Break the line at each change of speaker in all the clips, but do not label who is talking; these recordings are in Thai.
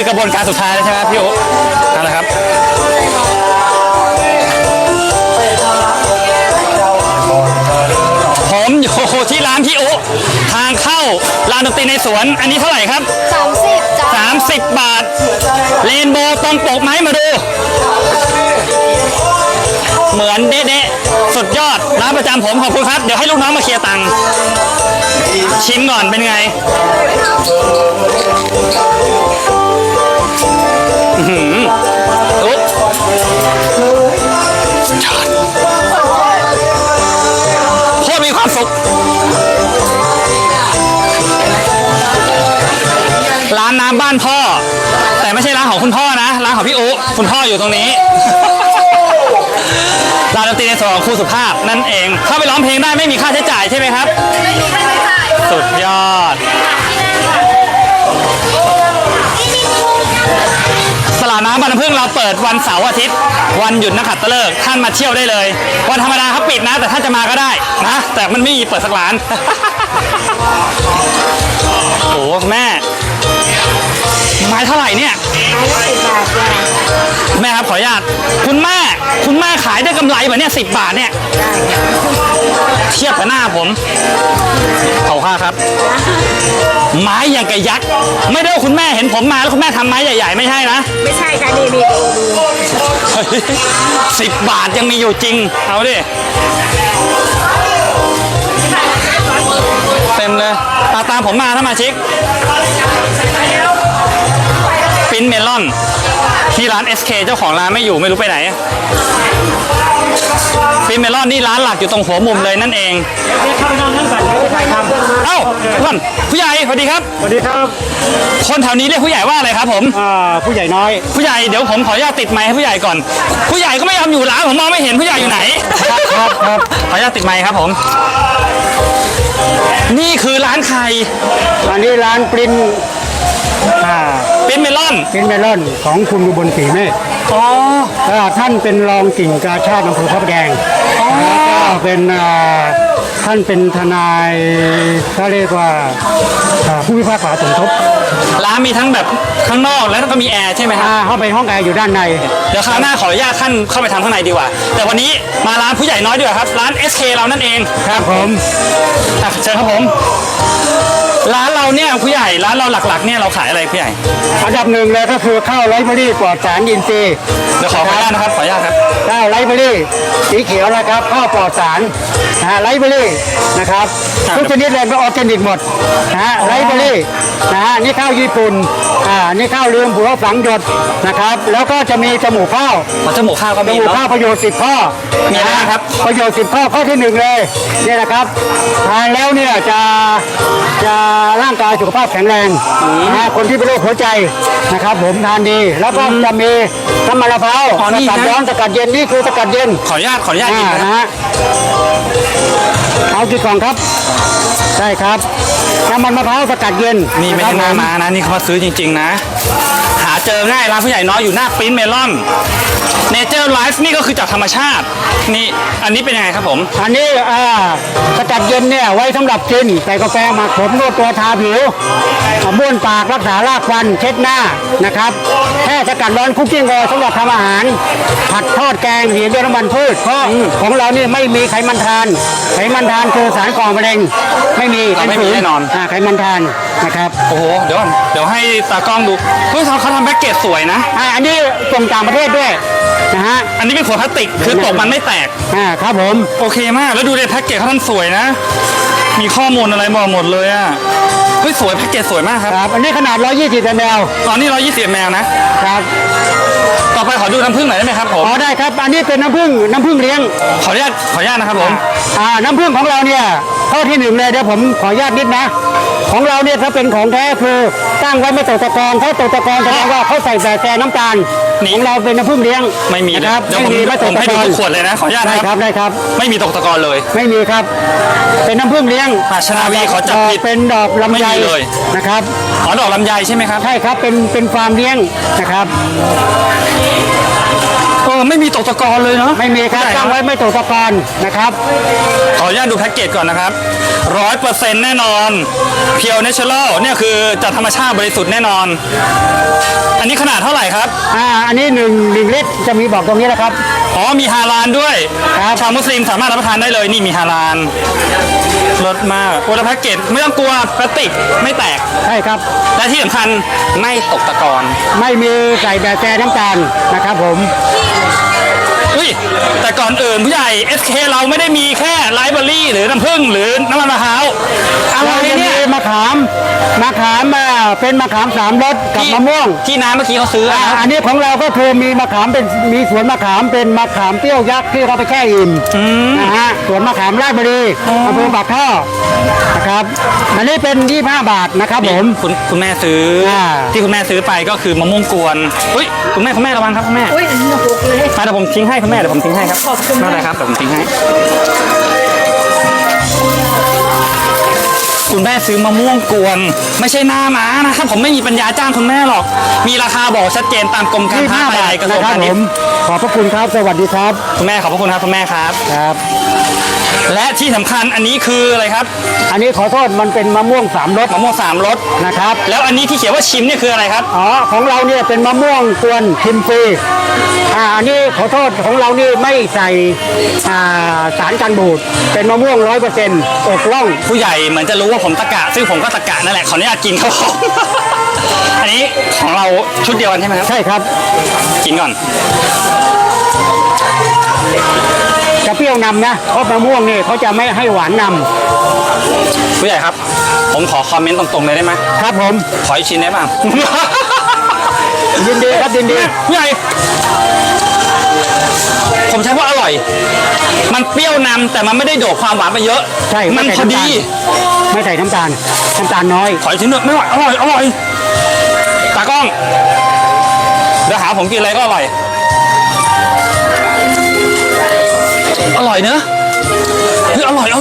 คือกระบวนการสุดท้ายแล้วใช่ไหมพี่โอ๊นั่นแหละครับผมอยู่ที่ร้านพี่โอ๊ทางเข้าร้านดนตรีในสวนอันนี้เท่าไหร่ครับ
30จ้า
30 บาทเรนโบว์ตรงปกไหมมาดูเหมือนเด๊ะๆสุดยอดร้านประจำผมขอบคุณครับเดี๋ยวให้ลูกน้องมาเคลียร์ตังค์ชิมก่อนเป็นไงอุ๊บโคตรมีความสุขร้านน้ำบ้านพ่อแต่ไม่ใช่ร้านของคุณพ่อนะร้านของพี่อุ๊คุณพ่ออยู่ตรงนี้ร้านดนตรีในสวนของครูสุภาพนั่นเองเข้าไปร้องเพลงได้ไม่มีค่าใช้จ่ายใช่ไหมครับ
ไม่มีค่าใช้จ่าย
สุดยอดตลาดน้ำบางน้ำพึ่งเราเปิดวันเสาร์อาทิตย์วันหยุดนักขัตฤกษ์ท่านมาเที่ยวได้เลยวันธรรมดาเขาปิดนะแต่ท่านจะมาก็ได้นะแต่มันไม่มีเปิดสักร้านโอ้แม่ไม้เท่าไหร่เนี่ยแม่ครับขออนุญาตคุณแม่ขายได้กำไรแบบเนี้ย10 บาทเนี่ยเทียบกับหน้าผมเขาค่าครับไม้อย่างกับยักษ์ไม่ได้ว่าคุณแม่เห็นผมมาแล้วคุณแม่ทำไม้ใหญ่ๆไม่ใช่นะ
ไม่ใช่ค่ะนี่มี
10 บาทยังมีอยู่จริงเอาดิเต็มเลยตามผมมาถ้ามาชิกปิ้นเมลอนที่ร้าน SK เจ้าของร้านไม่อยู่ไม่รู้ไปไหนปิ้นเมลอนนี่ร้านหลักอยู่ตรงหัวมุมเลยนั่นเองเข้าไปนอนนั่งก่อนเอ้าท่านผู้ใหญ่สวัสดีครับ
สวัสดีครับ
คนแถวนี้เรียกผู้ใหญ่ว่าอะไรครับผม
ผู้ใหญ่น้อย
ผู้ใหญ่เดี๋ยวผมขออนุญาตติดไมค์ให้ผู้ใหญ่ก่อนผู้ใหญ่ก็ไม่ยอมอยู่ร้านผมมองไม่เห็นผู้ใหญ่อยู่ไหน
ครับ
ขออนุญาตติดไมค์ครับผมนี่คือร้านใคร
อันนี้ร้านปริ้น
เมลอน
ของคุณอุบลศรีเมฆท่านเป็นรองกิ่งกาชาติอำเภอพระประแดงแล้วก็เป็นท่านเป็นทนายเขาเรียกว่าผู้พิพากษาสมทบ
ร้านมีทั้งแบบข้างนอกแล้วก็มีแอร์ใช่ไหมครับ
เข้าไปห้องแอร์อยู่ด้านใน
เดี๋ยวคราวหน้าขออนุญาตท่านเข้าไปทำข้างในดีกว่าแต่วันนี้มาร้านผู้ใหญ่น้อยดีกว่าครับร้าน SK เรานั่นเอง
ครับผม
เชิญครับผมร้านเราเนี่ยผู้ใหญ่ร้านเราหลักๆเนี่ยเราขายอะไรผู้ใหญ่
อันดับหนึ่งเลยก็คือข้าวไรซ์เบอรี่ปลอดสารอินทรีย์
เดี๋ยวขออนุญาตนะครับขออนุญาตครับ
ข้าวไรซ์เบอรี่สีเขียวนะครับข้าวปลอดสารไรซ์เบอรี่นะครับทุกชนิดเลยเป็นออร์แกนิกหมดไรซ์เบอรี่นี่ข้าวญี่ปุ่นนี่ข้าวลืมผัวฝังหยดนะครับแล้วก็จะมีจมูกข้าว
จมูกข้าวก็มี
จมูกข้าวประโยชน์10 ข้อ
มีอะไรครับ
ประโยชน์10 ข้อที่1เลยนี่นะครับทานแล้วเนี่ยจะร่างกายสุขภาพแข็งแรงคนที่เป็นโรคหัวใจนะครับผมทานดีแล้วก็จะมีน้ำมันมะพร้าวสกัดร้อนสกัดเย็นนี่คือสกัดเย็น
ขออนุญาตกินนะฮะ
เอากี่กล่องครับใช่ครับน้ำมันมะพร้าวสกัดเย็น
นี่ไม่ใช่หน้ามานะนี่เขามาซื้อจริงๆนะหาเจอง่ายร้านผู้ใหญ่น้อยอยู่หน้าปิ้นเมลอนเนเจอร์ไลฟ์นี่ก็คือจากธรรมชาตินี่อันนี้เป็นยังไงครับผม
อันนี้สกัดเย็นเนี่ยไว้สำหรับกินใส่กาแฟหมักผมนวดตัวทาผิวบ้วนปากรักษารากฟันเช็ดหน้านะครับแค่สกัดร้อนคุกกิ้งโอสำหรับทำอาหารผัดทอดแกงหีบด้วยน้ำมันพืชเพราะของเรานี่ไม่มีไขมันทานคือสารก่อมะเร็งไม่มี
แน่นอน
ไขมันทานนะครับ
โอ้โหเดี๋ยวให้ตากล้องดูเฮ้ยเขาทำแพ็กเกจสวยนะ
อันนี้ส่งต่างประเทศด้วยนะฮะ
อันนี้เป็นขวดพลาสติกคือตกมันไม่แตก
ครับผม
โอเคมากแล้วดูในแพ็กเกจเขาท่านสวยนะมีข้อมูลอะไรบอกหมดเลยอ่ะเฮ้ยสวยแพ็กเกจสวยมากครับ
อันนี้ขนาด120 ml
ตอนนี้120 ml นะครับต่อไปขอดูน้ำผึ้งหน่อยได้ไหมครับผม
ได้ครับอันนี้เป็นน้ำผึ้งเลี้ยง
ขออนุญาตนะครับผม
น้ำผึ้งของเราเนี่ยข้อที่1เลยเดี๋ยวผมขออนุญาตนิดนะของเราเนี่ยถ้าเป็นของแท้คือตั้งไว้ไม่ตกตะกอนถ้าตกตะกอนแสดงว่าเขาใส่แต่น้ำตาลของเราเป็นน้ำผึ้งเลี้ยง
ไม่มี
ครับ
ไม่มีไม่ตกตะกอนขวดเลยนะขออนุญาต
ได้ครับ
ไม่มีตกตะกอนเลย
ไม่มีครับเป็นน้ำผึ้งเลี้ยง
ชนาวีขอจับผิด
เป็นดอกลำไย
เลย
นะครับ
ดอกลำไยใช่ไหมครับ
ใช่ครับเป็นฟาร์มเลี้ยงนะครับ
ไม่มีตกตะกอนเลยเนาะ
ไม่มีครับตั้งไว้ไม่ตกตะกอนนะครับ
ขออนุญาตดูแพ็กเกจก่อนนะครับ100%แน่นอนเพียวเนเชอรัลเนี่ยคือจากธรรมชาติบริสุทธิ์แน่นอน อันนี้ขนาดเท่าไหร่ครับ
อันนี้1 ลิตรจะมีบอกตรงนี้นะครับ
อ๋อมีฮาลาลด้วย
ครับ
ชาวมุสลิมสามารถรับประทานได้เลยนี่มีฮาลาลรสมากโอ้แล้วแพ็กเกจไม่ต้องกลัวพลาสติกไม่แตก
ใช่ครับ
และที่สำคัญไม่ตกตะกอน
ไม่มีใส่แบบแกน้ำตาลนะครับผม
อุ้ยแต่ก่อนอื่นผู้ใหญ่ SK เราไม่ได้มีแค่ไลฟ์เบอรี่หรือน้ำผึ้งหรือน้ำมันมะพร้าวอะไร
เราจะมี
เนี่ย
มะขามเป็นมะขาม3 รสกับมะม่วง
ที่น้ำเมื่อกี้เขาซื้อนะครับ
อันนี้ของเราก็คือมีมะขามมีสวนมะขามเป็นมะขามเปรี้ยวยักษ์ที่เขาไปแช่อิ่มนะฮะสวนมะขามราชบุรีอำเภอปากท่อนะครับอันนี้เป็น25 บาทนะครับผม
คุณแม่ซื้อ ที่คุณแม่ซื้อไปก็คือมะม่วงกวนอุ้ยคุณแม่ระวังครับคุณแม่
อุ้ยอันนี้หกเลย
เดี๋ยวผมทิ้งให้คุณแม่เดี๋ยวผมทิ้งให้ครับ
ขอบคุณ
ไม่เป็นไรครับเดี๋ยวผมทิ้งให้ คุณแม่ซื้อมะม่วงกวน ไม่ใช่หน้าม้านะครับผมไม่มีปัญญาจ้างคุณแม่หรอก มีราคาบอกชัดเจนตามกรมการค้า
25
ภาย
บา
ใน
ท
กระทร
นะ
วง
ครับ
พาณิ
ผ
ช
ม
ย์
ขอบพระคุณครับสวัสดีครับ
คุณแม่ขอบพระคุณครับคุณแม่ครับ
ครับ
และที่สำคัญอันนี้คืออะไรครับ
อันนี้ขอโทษมันเป็นมะม่วง3 รส
มะม่วง3 รส
นะครับ
แล้วอันนี้ที่เขียนว่าชิมเนี่ยคืออะไรครับ
ของเราเนี่ยเป็นมะม่วงกวนชิมฟรีอันนี้ขอโทษของเรานี่ไม่ใส่สารกันบูดเป็นมะม่วง100%อกล่อง
ผู้ใหญ่เหมือนจะรู้ว่าผมตะกะ ซึ่งผมก็ตะกะนั่นแหละขออนุญาตกินครับผม อันนี้ของเราชุดเดียวกันใช่ไหมครับ
ใช่ครับ
กินก่อน
จะเปรี้ยวนำนะเพราะมะม่วงนี่เขาจะไม่ให้หวานน
ผู้ใหญ่ครับ ผมขอคอมเมนต์ตรงๆเลยได้ไหม
ำครับผม
ขออีกชิ้นได้ป่ะ
ยินดีครับยินดี
ผู้ใหญ่ ผมใช้ว่าอร่อย มันเปรี้ยวนำแต่มันไม่ได้โดดความหวานไปเยอะ
ใช่
มันพอดี
ไม่ใส่น้ำตาลน้อย
ขออีกชิ้นหนึ่งไม่ไหวอร่อยอร่อยตากล้องเดี๋ยวหาผมกินอะไรก็อร่อย อร่อยเนอะเฮ้ยอร่อย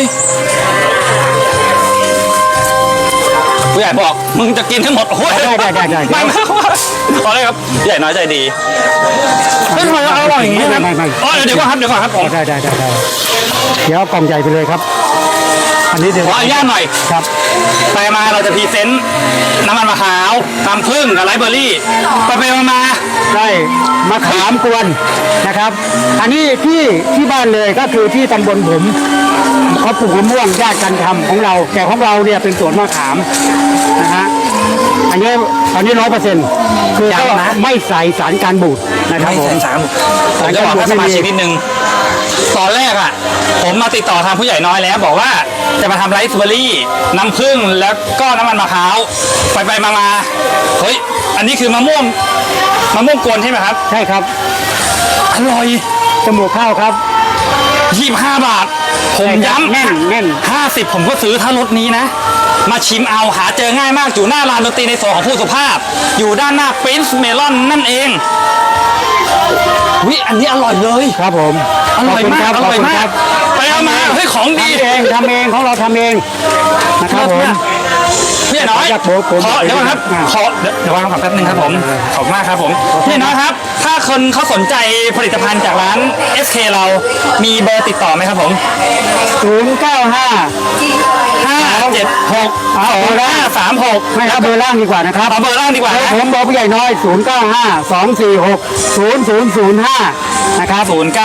ผู้ใหญ่บอกมึงจะกินให้หมดโอ้ย
ได้
ไม่ขอเลยครับผู้ใหญ่น้อยใจดีไม่ทำไมอร่อยอย่างนี้ครับอ๋อเดี๋ยวก่อนครับผม
ได้เดี๋ยวเอากล่องใหญ่ไปเลยครับ อันนี้เดี๋ยว
ขออนุญาตหน่อย
ครับ
ไปมาเราจะพรีเซนต์น้ำมันมะพร้าวน้ำผึ้งกับไลฟ์เบอร์รี่ไปมา
ได้มะขามกวนนะครับ อันนี้ที่บ้านเลยก็คือที่ตำบลผมเขาปลูกมะม่วงญาติกันทำของเราแต่ของเราเนี่ยเป็นสวนมะขามนะฮะอันนี้100%คือก็ไม่ใส่สารการบูดนะครับ
ไม่
ผม
ใส่สามผมจะบอกให้สมาชิกนิดนึงตอนแรกอ่ะผมมาติดต่อทางผู้ใหญ่น้อยแล้ว บอกว่าจะมาทำไลฟ์เบอร์รี่น้ำผึ้งแล้วก็น้ำมันมะพร้าวไปมาเฮ้ยอันนี้คือมะม่วงกวนใช่ไหมครับ
ใช่ครับ
อร่อย
จมูกข้าวครับ
25 บาท ผมย้ำ
แน่น
50 ผมก็ซื้อถ้ารถนี้นะ มาชิมเอาหาเจอง่ายมากอยู่หน้าร้านดนตรีในโซนของผู้สุภาพ อยู่ด้านหน้า Prince Melon นั่นเองวิอันนี้อร่อยเลย
ครับผม
อร่อยมาก
ขบคุณค
ไปเอามาเฮ้ยของดี
ทำเองของเราทำเองนะครับผม
พี่น้อย
อยากโบกผม
ขอเดี๋ยวก่อนครับ
อ่า
ขอเดี๋ยววางก่อนแป๊บนึงครับผมขอบคุณมากครับผมพี่น้อยครับ ถ้าคนเขาสนใจผลิตภัณฑ์จากร้าน SK เรามีเบอร์ติดต่อไหมครับผม
095
576
ไม่ครับเบอร์ล่างดีกว่านะครับ
เอาเบอร์ล่างดีกว่านะ
ผมบอกผู้ใหญ่น้อย 095 246 0005 นะครับ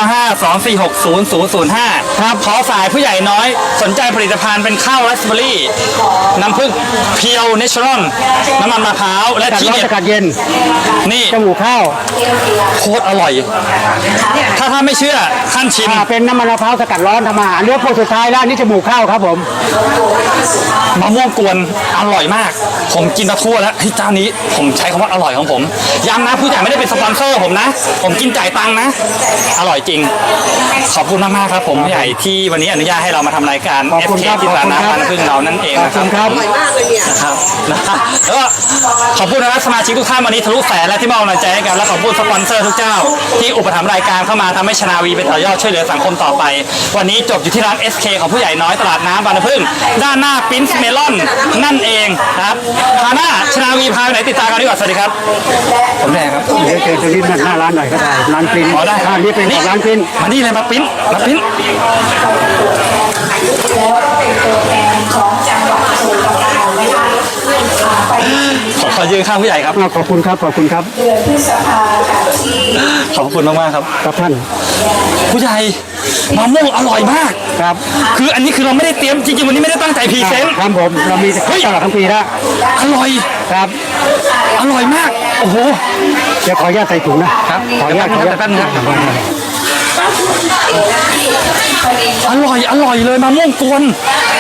0952460005
ครับ
ขอสายผู้ใหญ่น้อยสนใจผลิตภัณฑ์เป็นข้าวราสเบอร์รี่น้ำผึ้งเพียวเนเชอรัลน้ำมันมะพร้าวและ
กัด
ที่
ร้อน
เด็ด
สกัดเย็น
นี่
จมูกข้าว
โคตรอร่อย ถ้าไม่เชื่อท่านชิม
เป็นน้ำมันมะพร้าวสกัดร้อนทำอาหารเลือกพวกสุดท้ายแล้วอันนี่จมูกข้าวครับผม
มะม่วงกวนอร่อยมาก ผมกินมาทั่วแล้วเฮ้ยเจ้านี้ผมใช้คำว่าอร่อยของผมย้ำนะผู้ใหญ่ไม่ได้เป็นสปอนเซอร์ผมนะ ผมกินจ่ายตังค์นะอร่อยจริง ขอบคุณมากๆครับผมผู้ใหญ่ที่วันนี้อนุญาตให้เรามาทำรายการ
ขอบคุณ
FK
ครับ
ที่ตลาด
ขอบคุณครับ
น้ำบางพึ่งเรานั่นเอง
ขอบ
นะค
คุ
รับ
ณครับ
นะครับแล้วก็ขอบคุณนะครับสมาชิกทุกท่านวันนี้ทะลุแสนและที่มอบกำลังใจให้กันและขอบคุณสปอนเซอร์ทุกเจ้า ที่อุปถัมภ์รายการเข้ามาทำให้ชนาวีเป็นต่อยอดช่วยเหลือสังคมต่อไป วันนี้จบอยู่ที่ร้าน SK ของผู้ใหญ่น้อยตลาดน้ำบางน้ำพึ่งด้านหน้าปิ้นส์เมลอนนั่นเองนะครับพาหน้าชนาวีพาไปไหนติดตามกันดีกว่าสวัสดีครับผมแดงครับ
เดี๋ยวเจอตัวนี้หน้าร้านหน่อยก็ได้ร้านปริ้น
อ๋อได้
ร้านนี้เป็นของร้านปริ้น
มานี่เลยมาปิ้นมาปิ้นขอยืนข้างผู้ใหญ่ครับ
ขอบคุณครับขอบคุณครับ
ขอบคุณมากๆครับ
ครับท่าน
ผู้ใหญ่มะม่วงอร่อยมาก
ครับ
คืออันนี้คือเราไม่ได้เตรียมจริงๆวันนี้ไม่ได้ตั้งใจพรีเซนต์
ครับผมเรามีตลอดทั้งปีแล้ว
อร่อย
ครับ
อร่อยมากโอ้โห
เดี๋ยวขออนุญาตใส่ถุงนะครับ ขออนุญาตขออนุญาต
แป๊บนึงอร่อยเลยมะม่วงกวน